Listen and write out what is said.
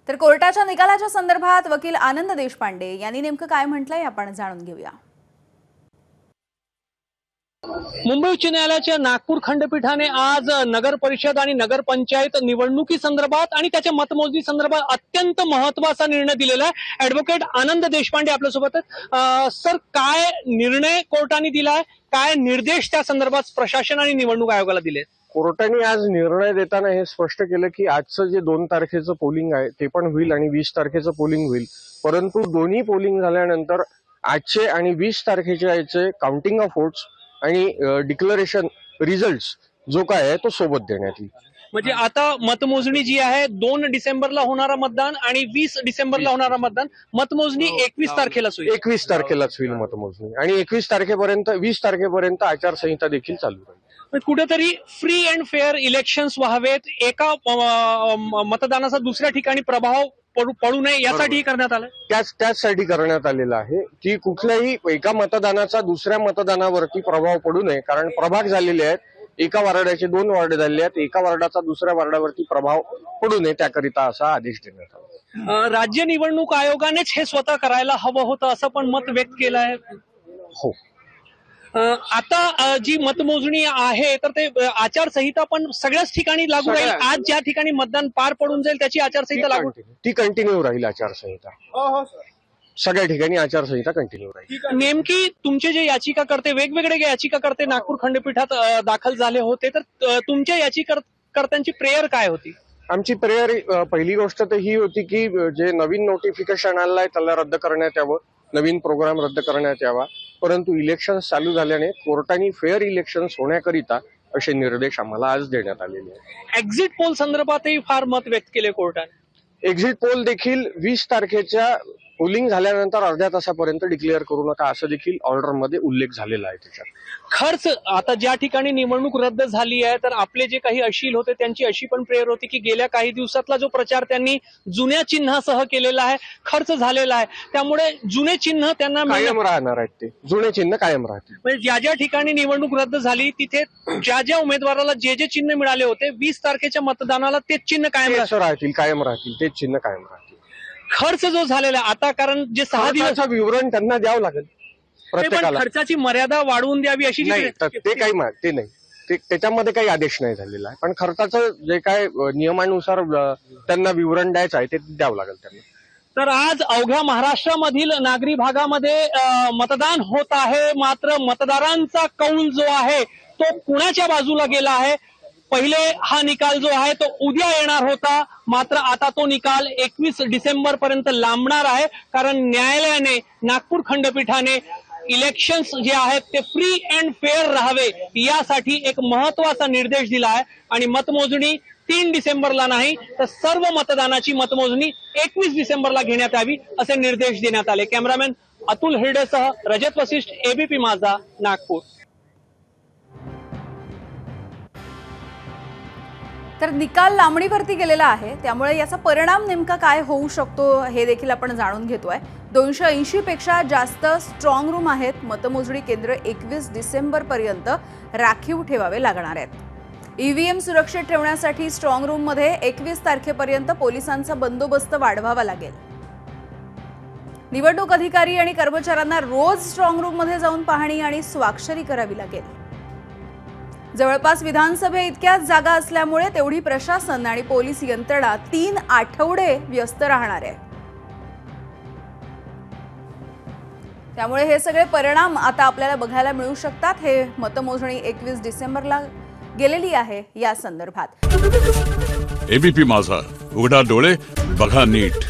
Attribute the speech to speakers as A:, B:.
A: तर कोर्टाच्या निकालाच्या संदर्भात वकील आनंद देशपांडे यांनी नेमकं काय म्हटलंय आपण जाणून घेऊया।
B: मुंबई उच्च न्यायालयाच्या नागपूर खंडपीठाने आज नगर परिषद आणि नगरपंचायत निवडणुकी संदर्भात आणि त्याच्या मतमोजणी संदर्भात अत्यंत महत्त्वाचा निर्णय दिलेला आहे। ॲडव्होकेट आनंद देशपांडे आपल्यासोबत आहेत। सर, काय निर्णय कोर्टाने दिलाय, काय निर्देश त्या संदर्भात प्रशासन आणि निवडणूक आयोगाला दिले?
C: कोर्टाने आज निर्णय देताना हे स्पष्ट केलं की आजचं जे 2 तारखेचं पोलिंग आहे ते पण होईल आणि 20 तारखेचं पोलिंग होईल, परंतु दोन्ही पोलिंग झाल्यानंतर आजचे आणि 20 तारखेच्या याचे काउंटिंग ऑफ वोट्स आणि डिक्लरेशन रिझल्ट जो काय आहे तो सोबत देण्यात येईल।
B: म्हणजे आता मतमोजणी जी आहे 2 डिसेंबरला होणारा मतदान आणि 20 डिसेंबरला होणारा मतदान, मतमोजणी 21 तारखेलाच होईल।
C: 21 तारखेलाच होईल मतमोजणी आणि 21 तारखेपर्यंत 20 तारखेपर्यंत आचारसंहिता देखील चालू राहील।
B: कुठेतरी फ्री अँड फेअर इलेक्शन्स व्हावेत, एका मतदानाचा दुसऱ्या ठिकाणी प्रभाव पडू नये यासाठी करण्यात आलं।
C: त्याचसाठी करण्यात आलेलं आहे की कुठल्याही एका मतदानाचा दुसऱ्या मतदानावरती प्रभाव पडू नये, कारण प्रभाग झालेले आहेत, एका वार्डाचे 2 वार्ड झाले आहेत, एका वार्डाचा दुसऱ्या वार्डावरती प्रभाव पडू नये त्याकरिता असा आदेश देण्यात आला।
B: राज्य निवडणूक आयोगानेच हे स्वतः करायला हवं होतं असं पण मत व्यक्त केलं आहे।
C: हो,
B: आता जी मतमोजणी आहे तर ते आचारसंहिता पण सगळ्याच ठिकाणी लागू राहील। आज ज्या ठिकाणी मतदान पार पडून जाईल त्याची आचारसंहिता लागू,
C: ती कंटिन्यू राहील आचारसंहिता। सगळ्या ठिकाणी आचारसंहिता कंटिन्यू राहील।
B: नेमकी तुमचे जे याचिकाकर्ते, वेगवेगळे याचिकाकर्ते नागपूर खंडपीठात दाखल झाले होते, तर तुमच्या याचिकाकर्त्यांची प्रेयर काय होती?
C: आमची प्रेयर पहिली गोष्ट तर ही होती की जे नवीन नोटिफिकेशन आलं आहे त्याला रद्द करण्यात यावं, नवीन प्रोग्राम रद्द करण्यात यावा, परंतु इलेक्शन चालू झाल्याने कोर्टाने फेअर इलेक्शन होण्याकरिता असे निर्देश आम्हाला आज देण्यात आलेले आहेत।
B: एक्झिट पोल संदर्भातही फार मत व्यक्त केले कोर्टाने।
C: एक्झिट पोल देखील 20 तारखेच्या पोलिंग झाल्यानंतर अर्ध्या तासापर्यंत डिक्लेअर करू नका असं देखील ऑर्डरमध्ये उल्लेख झालेला आहे। त्याच्यात
B: खर्च, आता ज्या ठिकाणी निवडणूक रद्द झाली आहे तर आपले जे काही अशील होते त्यांची अशी पण प्रेयर होती की गेल्या काही दिवसातला जो प्रचार त्यांनी जुन्या चिन्हासह केलेला आहे, खर्च झालेला आहे, त्यामुळे जुने चिन्ह त्यांना
C: कायम राहणार आहेत, ते जुने चिन्ह कायम राहतील।
B: म्हणजे ज्या ज्या ठिकाणी निवडणूक रद्द झाली तिथे ज्या ज्या उमेदवाराला जे जे चिन्ह मिळाले होते 20 तारखेच्या मतदानाला तेच चिन्ह कायम
C: राहतील, तेच चिन्ह कायम राहतील।
B: खर्च जो झालेला आता, कारण जे 6 दिवस
C: विवरण त्यांना द्यावं लागेल प्रत्येकाला,
B: खर्चाची मर्यादा वाढवून द्यावी अशी
C: नाही, ते नाही, त्याच्यामध्ये काही आदेश नाही झालेला आहे, पण खर्चाचं जे काय नियमानुसार त्यांना विवरण द्यायचं आहे ते द्यावं लागेल त्यांना।
B: तर आज अवघ्या महाराष्ट्रामधील नागरी भागामध्ये मतदान होत आहे, मात्र मतदारांचा कौल जो आहे तो कुणाच्या बाजूला गेला आहे? पहिले हा निकाल जो आहे तो उद्या येणार होता, मात्र आता तो निकाल 21 डिसेंबर पर्यंत लांबणार आहे, कारण न्यायालयाने, नागपूर खंडपीठाने इलेक्शन्स जे आहेत ते फ्री अँड फेअर राहावे यासाठी एक महत्वाचा निर्देश दिला आहे आणि मतमोजणी 3 डिसेंबरला नाही तर सर्व मतदानाची मतमोजणी 21 डिसेंबरला घेण्यात यावी असे निर्देश देण्यात आले। कॅमेरामॅन अतुल हिरडेसह रजत वशिष्ठ, एबीपी माझा, नागपूर।
A: तर निकाल लांबणीवरती गेलेला आहे, त्यामुळे याचा परिणाम नेमका काय होऊ शकतो हे देखील आपण जाणून घेतोय। 280 पेक्षा जास्त स्ट्रॉंग रूम आहेत, मतमोजणी केंद्र 21 डिसेंबर पर्यंत राखीव ठेवावे लागणार आहेत। ईव्हीएम सुरक्षित ठेवण्यासाठी स्ट्रॉंग रूम मध्ये 21 तारखेपर्यंत पोलिसांचा बंदोबस्त वाढवावा लागेल। निवडणूक अधिकारी आणि कर्मचाऱ्यांना रोज स्ट्रॉंग रूम मध्ये जाऊन पाहणी आणि स्वाक्षरी करावी लागेल। जवळपास विधानसभे इतक्याच जागा असल्यामुळे तेवढी प्रशासन आणि पोलीस यंत्रणा 3 आठवडे व्यस्त राहणार आहे। त्यामुळे हे सगळे परिणाम आता आपल्याला बघायला मिळू शकतात। हे मतमोजणी 21 डिसेंबरला गेलेली आहे या संदर्भात।
D: एबीपी माझा, उघडा डोळे बघा नीट।